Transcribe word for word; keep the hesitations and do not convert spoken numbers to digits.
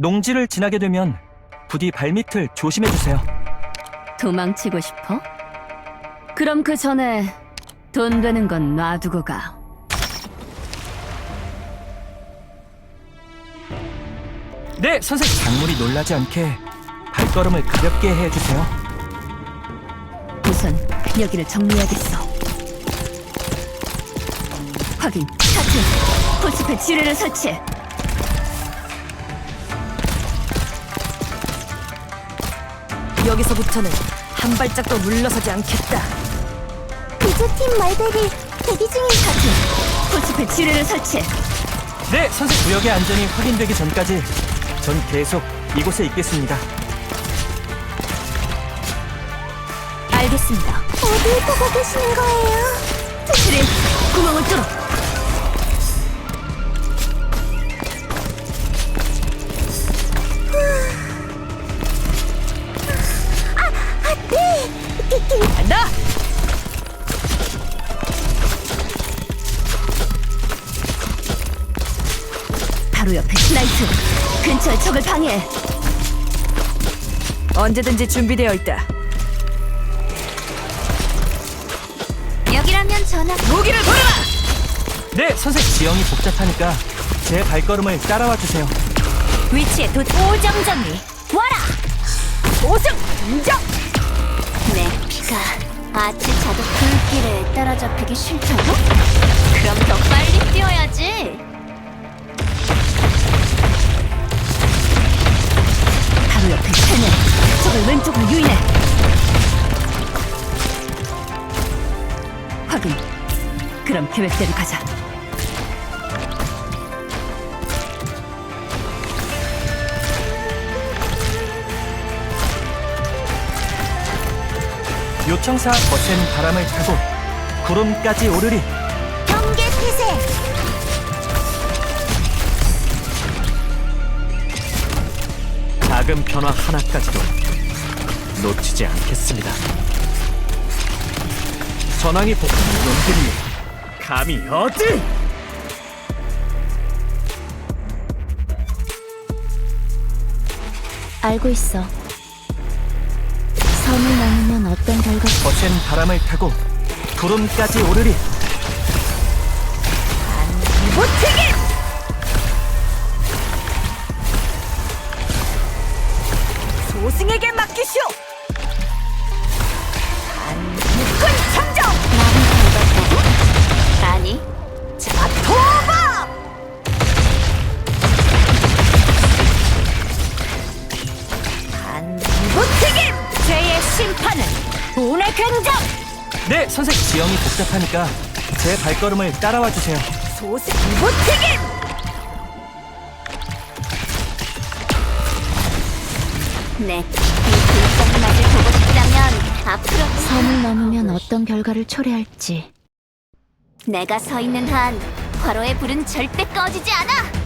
농지를 지나게 되면 부디 발밑을 조심해주세요. 도망치고 싶어? 그럼 그 전에 돈 되는 건 놔두고 가. 네, 선생님. 작물이 놀라지 않게 발걸음을 가볍게 해주세요. 우선 여기를 정리해야겠어. 확인. 차트. 포스페 지뢰를 설치해. 여기서부터는 한 발짝도 물러서지 않겠다. 구조팀 말들이 대기 중인 차트. 포스페 지뢰를 설치해. 네, 선생님. 구역의 안전이 확인되기 전까지 전 계속 이곳에 있겠습니다. 알겠습니다. 어딜 보고 계시는 거예요? 지뢰 구멍을 뚫어. 간다! 바로 옆에 스나이트. 근처에 적을 방해해. 언제든지 준비되어 있다. 여기라면 전화. 무기를 버려라! 네, 선생님. 지형이 복잡하니까 제 발걸음을 따라와 주세요. 위치에 도 오정 정리. 와라. 오승! 인정! 내 피가 아치 자도 불길에 따라잡히기 싫다고? 그럼 더 빨리 뛰어야지. 바로 옆에 세네. 적을 왼쪽으로 유인해. 확인. 그럼 계획대로 가자. 요청사 거센 바람을 타고 구름까지 오르리. 경계 태세. 작은 변화 하나까지도 놓치지 않겠습니다. 전황이 복잡한 놈들이 감히 어디? 알고 있어. 선을 넘으면 어떤 결과? 거센 바람을 타고 구름까지 오르리. 무튀김! 소승에게 맡기시오! 한국군 참정! 나는 밟았다고? 아니. 자, 도바! 한무튀김! 죄의 심판은 운의 긍정! 네, 선생님. 지형이 복잡하니까 제 발걸음을 따라와 주세요. 소승 무튀김! 내 불꽃 맛을 보고 싶다면 앞으로 선을 넘으면 어떤 결과를 초래할지. 내가 서 있는 한 화로의 불은 절대 꺼지지 않아.